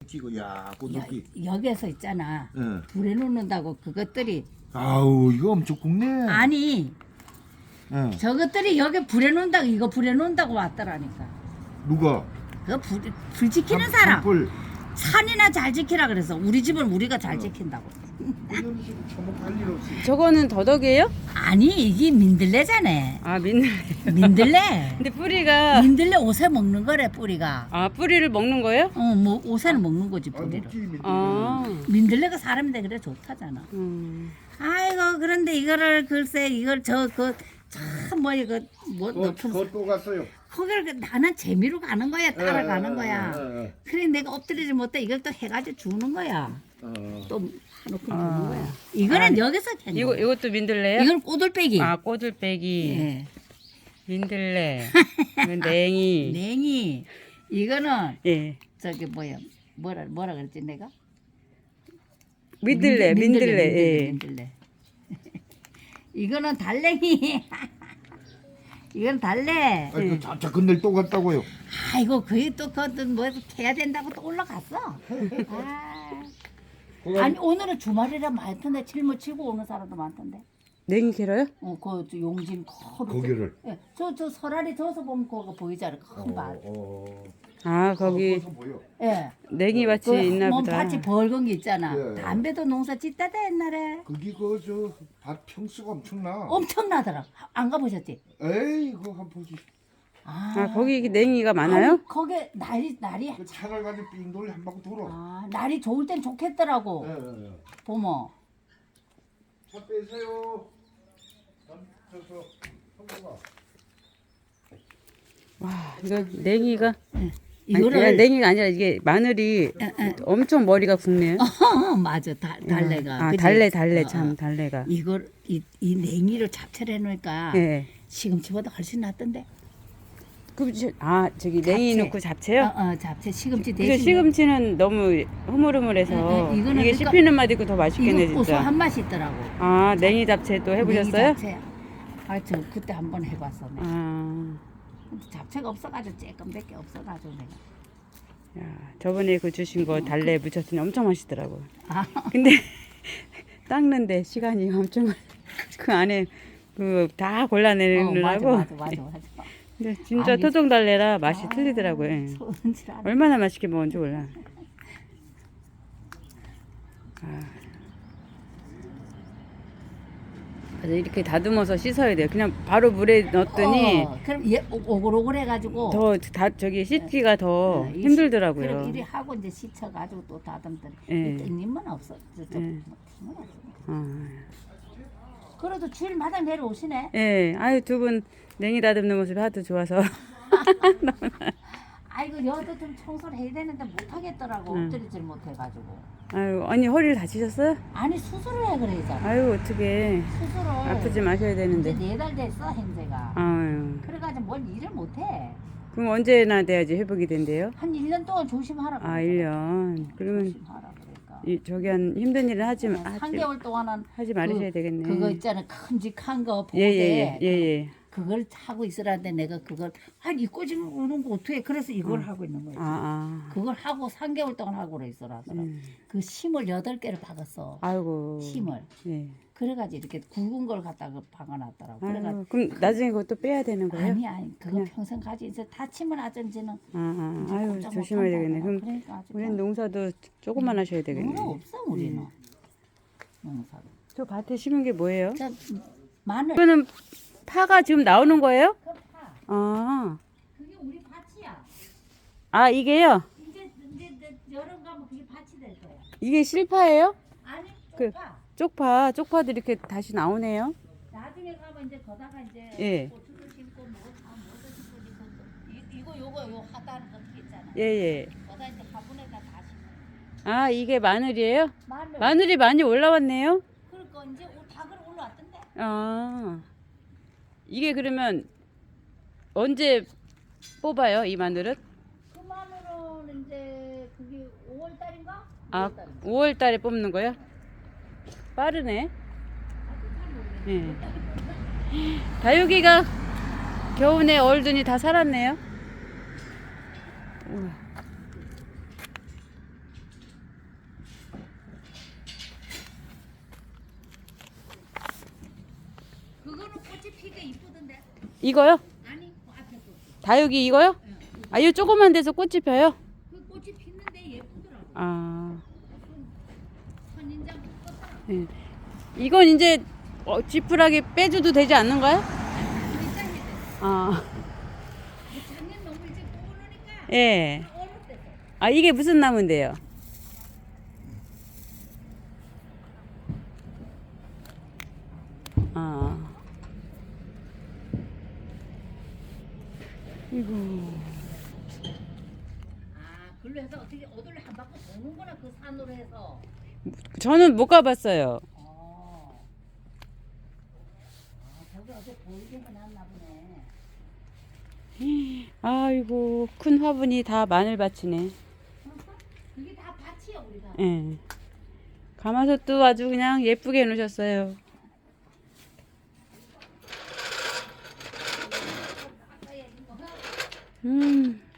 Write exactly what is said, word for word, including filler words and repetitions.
찍어. 야, 꽃잎이. 여기에서 있잖아. 예. 불에 놓는다고 그것들이 아우, 이거 엄청 굵네. 아니 예. 저것들이 여기 불에 놓는다고 이거 불에 놓는다고 왔더라니까. 누가? 그 불, 불 지키는 산- 사람. 산불. 산이나 잘 지키라 그래서 우리 집은 우리가 잘 지킨다고. 이런 식으로 처먹할 일 없이. 저거는 더덕이에요? 아니 이게 민들레잖아. 아 민들. 민들레. 근데 뿌리가 민들레 옷에 먹는 거래 뿌리가. 아 뿌리를 먹는 거예요? 어 뭐 옷에는 먹는 거지 아, 뿌리를. 먹지, 민들레. 아. 민들레가 사람인데 그래 좋다잖아. 음. 아이고 그런데 이거를 글쎄 이걸 저 그 참 뭐 이거 뭐 그거, 높은 그거 또 갔어요. 거기를 그 나는 재미로 가는 거야 따라가는 예, 거야. 예, 예. 그래 내가 엎드리지 못해 이걸 또 해가지고 주는 거야. 어. 또 해놓고 주는 아. 거야. 이거는 여기서 캔 이거 거야. 이것도 민들레요? 이건 꼬들빼기. 아 꼬들빼기. 예. 민들레. 이건 냉이. 냉이. 이거는 예. 저기 뭐야 뭐라 뭐라 그랬지 내가? 민들레. 민들- 민들레. 예. 민들레. 이거는 달랭이. 이건 달래. 아니, 그 잡자 근데 또 갔다고요. 아이고 그게 또 그것도 뭐 캐야 된다고 또 올라갔어. 아. 그거 아니 오늘은 주말이라 많던데 칠무 치고 오는 사람도 많던데. 냉이 캐러요? 어, 그 저 용진 커로. 거기를. 예, 저저 설알이 저서 보면 그거 보이잖아. 큰 밭. 어. 아 거기 거기서 보여. 예. 냉이 밭이 그 있나 뭐 보다. 밭이 벌건 게 있잖아. 예. 담배도 농사 짓다다 옛날에. 거기 그저밭 평수가 엄청나. 엄청나더라. 안 가보셨지? 에이, 그거 한번 보지. 아, 아 거기 냉이가 많아요? 아니, 거기 날이 날이 그 차를 가지고 삥 돌려 한 바퀴 돌아. 아 날이 좋을 땐 좋겠더라고. 예, 예, 예. 보모. 차 빼세요. 전- 저서 성공아. 와 이거 냉이가 아니, 이거를 그냥 냉이가 아니라 이게 마늘이 엄청 머리가 굵네요. 어, 맞아 달, 달래가. 아 그치? 달래 달래 어, 참 어. 달래가. 이걸 이, 이 냉이를 잡채를 해놓으니까 예. 시금치보다 훨씬 낫던데. 그, 저- 아 저기 냉이 잡채. 넣고 잡채요? 어, 어 잡채 시금치 근데 대신. 시금치는 너무 흐물흐물해서 응, 응, 이거는 이게 그러니까 씹히는 맛 있고 더 맛있겠네 이거 고소한 진짜. 맛이 있더라고. 아 냉이 잡채 또 해보셨어요? 냉이 잡채. 아, 저 그때 한번 해봤어. 내가. 아, 근데 잡채가 없어가지고 조금밖에 없어가지고 내가. 야, 저번에 그 주신 거 달래 무쳤더니 엄청 맛있더라고. 아, 근데 닦는데 시간이 엄청 많- 그 안에 그 다 어, 맞아, 골라내느라고. 맞아, 맞아, 맞아. 근데 진짜 아니, 토종 달래라 맛이 아, 틀리더라고요. 예. 손질 안 해. 얼마나 맛있게 먹은지 몰라. 아. 그래서 이렇게 다듬어서 씻어야 돼요. 그냥 바로 물에 넣었더니 어, 그럼 얘 오- 오글오글 해가지고. 더 다 저기 씻기가 더 어, 이 시- 힘들더라고요. 그럼 이리 하고 이제 씻혀가지고 또 다듬더니 예. 이 땡님은 없어. 저, 저, 예. 뭐, 땡님은 없어. 아. 그래도 주일마다 내려오시네. 예, 아유 두 분 냉이 다듬는 모습이 하도 좋아서. 아이고 여도 좀 청소를 해야 되는데 못하겠더라고. 응. 엎드리질 못해가지고. 아유 언니 허리를 다치셨어요? 아니 수술을 해 그래잖아. 아유 어떻게 수술을. 아프지 마셔야 이제 되는데. 네 달 됐어 현재가. 아유 그래가지고 뭘 일을 못해. 그럼 언제나 돼야지 회복이 된대요? 한 일 년 동안 조심하라. 아 그러더라고. 일 년. 그러면 조심하라 그러니까. 이 저기 한 힘든 일을 하지 마- 한 하지, 개월 동안은 하지 말으셔야 그, 되겠네. 그거 있잖아 큼직한 거 보대. 예예예 예, 예, 예. 그걸 하고 있으라는데 내가 그걸 아니 꼬집어 오는 거 어떻게 그래서 이걸 하고 있는 거야. 아 아. 그걸 하고 삼 개월 동안 하고 그래 있어라. 음. 그 심을 여덟 개를 박았어. 아이고. 심을. 예. 그래가지고 이렇게 굵은 걸 갖다가 박아놨더라고. 그래가 아유, 그럼 나중에 그것도 빼야 되는 거예요? 아니 아니 그거 그냥. 평생 가지 이제 다치면 하든지는 아, 아, 이제 아유 꼼짝 조심해야 못한다 되겠네. 그럼 하더라. 그러니까 아주 우리는 농사도 조금만 하셔야 되겠네. 농사 없어 우리는. 농사도. 저 밭에 심은 게 뭐예요? 저 마늘. 이거는 파가 지금 나오는 거예요? 그 파. 아, 그게 우리 밭이야. 아 이게요? 이제 이제 이제 여름 가면 그게 밭이 될 거야. 이게 실파예요? 아니 그- 파. 쪽파, 쪽파도 이렇게 다시 나오네요. 나중에 가면 이제 거다가 이제 예. 고추도 심고 뭐다 뭐도 심고 이제 그- 이- 이거 요거 요 하다는 거 있잖아. 예, 예. 거다 이제 화분에다 다 심어. 아, 이게 마늘이에요? 마늘. 마늘이 많이 올라왔네요. 그러니까 이제 오- 다 그래 올라왔던데. 아, 이게 그러면 언제 뽑아요, 이 마늘은? 그 마늘은 이제 그게 오월 달인가? 아, 오월 달에 뽑는 거요? 빠르네. 예. 다육이가 겨우내 얼든이 다 살았네요. 우와. 이게 이쁘던데. 이거요? 아니 그 앞에 거. 다육이 이거요? 아, 이 조그만 데서 꽃이 펴요? 그 꽃이 피는데 예쁘더라고. 아, 선인장 꽃다. 예. 이건 이제 어, 지푸라기 빼줘도 되지 않는가요? 선인장이 돼. 아, 작년 너무 이제 꼬르니까. 예. 얼었대서. 아, 이게 무슨 나무인데요? 아, 이거. 아, 글로 해서 어떻게 어디를 한 바퀴 도는구나 그 산으로 해서. 저는 못 가봤어요. 어. 아, 저기 어디 보이게만 났나 보네. 아이고, 큰 화분이 다 마늘밭이네. 그게 다 밭이야 우리 다. 예. 가마솥도 아주 그냥 예쁘게 해놓으셨어요. 음.